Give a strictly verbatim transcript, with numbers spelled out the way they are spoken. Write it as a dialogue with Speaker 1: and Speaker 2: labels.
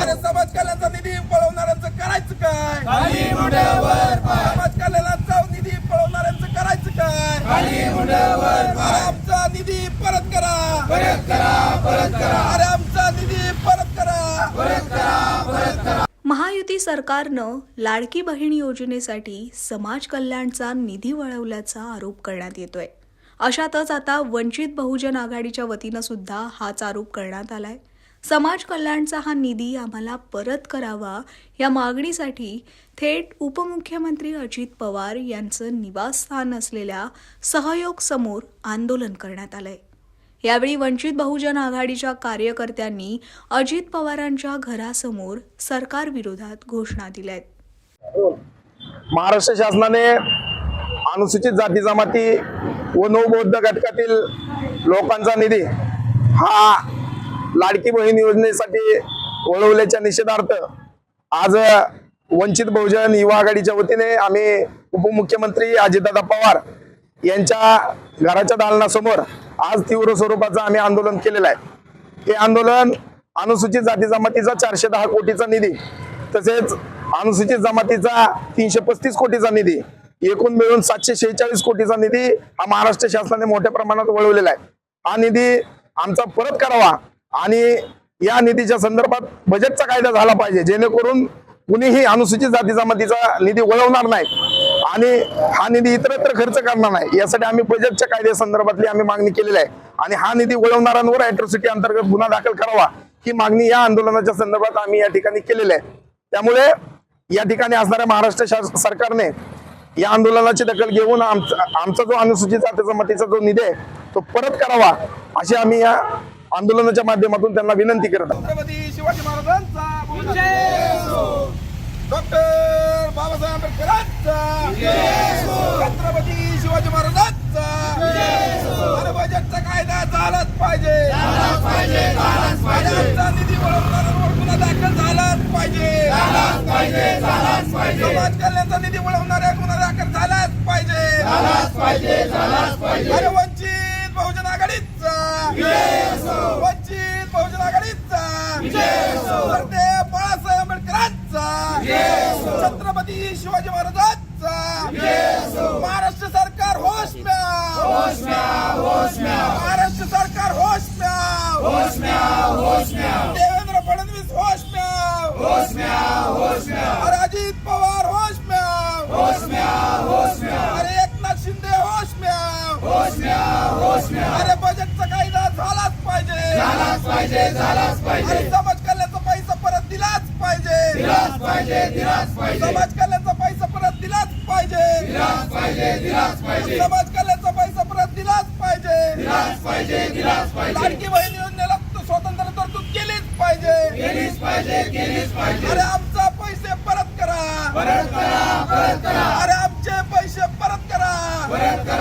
Speaker 1: अरे समाज कल्याणचा निधी पळवणाऱ्यांचं करायचं काय?
Speaker 2: खाली मुंड्यावर पाय,
Speaker 1: समाज कल्याणाचा निधी पळवणाऱ्यांचं करायचं काय?
Speaker 2: खाली मुंड्यावर पाय,
Speaker 1: आमचा निधी परत करा,
Speaker 2: परत करा, परत करा,
Speaker 1: अरे आमचा निधी परत करा,
Speaker 2: परत करा, परत करा.
Speaker 3: महायुती सरकारनं लाडकी बहीण योजनेसाठी समाज कल्याणचा निधी वळवल्याचा आरोप करण्यात येतोय. अशातच आता वंचित बहुजन आघाडीच्या वतीनं सुद्धा हाच आरोप करण्यात आलाय. समाज कल्याणचा हा निधी आम्हाला परत करावा या मागणीसाठी थेट उपमुख्यमंत्री अजित पवार यांचं निवासस्थान असलेल्या सहयोग समोर आंदोलन करण्यात आलंय. यावेळी वंचित बहुजन आघाडीच्या कार्यकर्त्यांनी अजित पवारांच्या घरासमोर सरकारविरोधात घोषणा दिल्यात.
Speaker 4: महाराष्ट्र शासनाने अनुसूचित जाती जमाती व नवबौद्ध घटकातील लोकांचा निधी हा लाडकी बहीण योजनेसाठी वळवल्याच्या निषेधार्थ आज वंचित बहुजन युवा आघाडीच्या वतीने आम्ही उपमुख्यमंत्री अजितदादा पवार यांच्या घराच्या दालनासमोर आज तीव्र स्वरूपाचं आम्ही आंदोलन केलेलं आहे. हे आंदोलन अनुसूचित जाती जमातीचा चारशे दहा कोटीचा निधी तसेच अनुसूचित जमातीचा तीनशे पस्तीस कोटीचा निधी एकूण मिळून सातशे शेहेचाळीस कोटीचा निधी हा महाराष्ट्र शासनाने मोठ्या प्रमाणात वळवलेला आहे. हा निधी आमचा परत करावा आणि या निधीच्या संदर्भात बजेटचा कायदा झाला पाहिजे, जेणेकरून कुणीही अनुसूचित जाती जमातीचा निधी वळवणार नाही आणि हा निधी इतरत्र खर्च करणार नाही. यासाठी आम्ही बजेटच्या कायद्या संदर्भातली आम्ही मागणी केलेली आहे आणि हा निधी वळवणाऱ्यांवर अॅट्रॉसिटी अंतर्गत गुन्हा दाखल करावा ही मागणी या आंदोलनाच्या संदर्भात आम्ही या ठिकाणी केलेली आहे. त्यामुळे या ठिकाणी असणाऱ्या महाराष्ट्र सरकारने या आंदोलनाची दखल घेऊन आमचा आमचा जो अनुसूचित जाती जमातीचा जो निधी आहे तो परत करावा अशी आम्ही या आंदोलनाच्या माध्यमातून त्यांना विनंती करत आहोत.
Speaker 1: छत्रपती शिवाजी महाराजांचा जय हो, डॉक्टर बाबासाहेब आंबेडकरांचा जय हो, छत्रपती शिवाजी महाराजांचा जय हो. अरे बजेटचा कायदा झालाच पाहिजे,
Speaker 2: झालाच पाहिजे, झालाच पाहिजे,
Speaker 1: आमचा निधी वळवणाऱ्यांवर गुन्हा दाखल झालाच पाहिजे,
Speaker 2: झालाच पाहिजे, झालाच पाहिजे,
Speaker 1: समाज कल्याणचा निधी वळवणाऱ्या गुन्हा दाखल झालाच पाहिजे,
Speaker 2: झालाच पाहिजे, झालाच पाहिजे.
Speaker 1: अरे वंचित बहुजन आघाडीचा
Speaker 2: विजय असो,
Speaker 1: वंचित बहुजन आघाडीचा
Speaker 2: विजय असो,
Speaker 1: वर्धे बाळासाहेब आंबेडकरांचा
Speaker 2: विजय असो,
Speaker 1: छत्रपती शिवाजी महाराजांचा
Speaker 2: विजय असो.
Speaker 1: महाराष्ट्र सरकार होश में आओ,
Speaker 2: होश में आओ, होश में आओ,
Speaker 1: महाराष्ट्र सरकार होश में आओ,
Speaker 2: होश में आओ, होश में आओ,
Speaker 1: देवेंद्र फडणवीस होश में आओ,
Speaker 2: होश में आओ, होश में आओ,
Speaker 1: अरे अजित पवार होश में आओ,
Speaker 2: होश में आओ, होश में आओ,
Speaker 1: अरे एकनाथ शिंदे होश में आओ,
Speaker 2: होश में आओ, होश में आओ.
Speaker 1: अरे बजेटचा कायदा झालाच पाहिजे,
Speaker 2: झालाच पाहिजे, झालाच
Speaker 1: अरे
Speaker 2: पाहिजे,
Speaker 1: समाज कल्याणचा पैसा परत दिलाच पाहिजे,
Speaker 2: दिलाच पाहिजे, दिलाच पाहिजे,
Speaker 1: समाज कल्याणचा पैसा परत दिलाच पाहिजे,
Speaker 2: दिलाच पाहिजे, दिलाच पाहिजे,
Speaker 1: समाज कल्याणचा पैसा परत दिलाच पाहिजे,
Speaker 2: दिलाच पाहिजे, दिलाच पाहिजे,
Speaker 1: लाडकी बहीण योजनेला स्वतंत्र तरतूद केलीच पाहिजे,
Speaker 2: केलीच पाहिजे, केलीच पाहिजे.
Speaker 1: अरे आमचा पैसे परत करा,
Speaker 2: परत करा, परत करा,
Speaker 1: अरे आमचे पैसे परत करा,
Speaker 2: परत करा,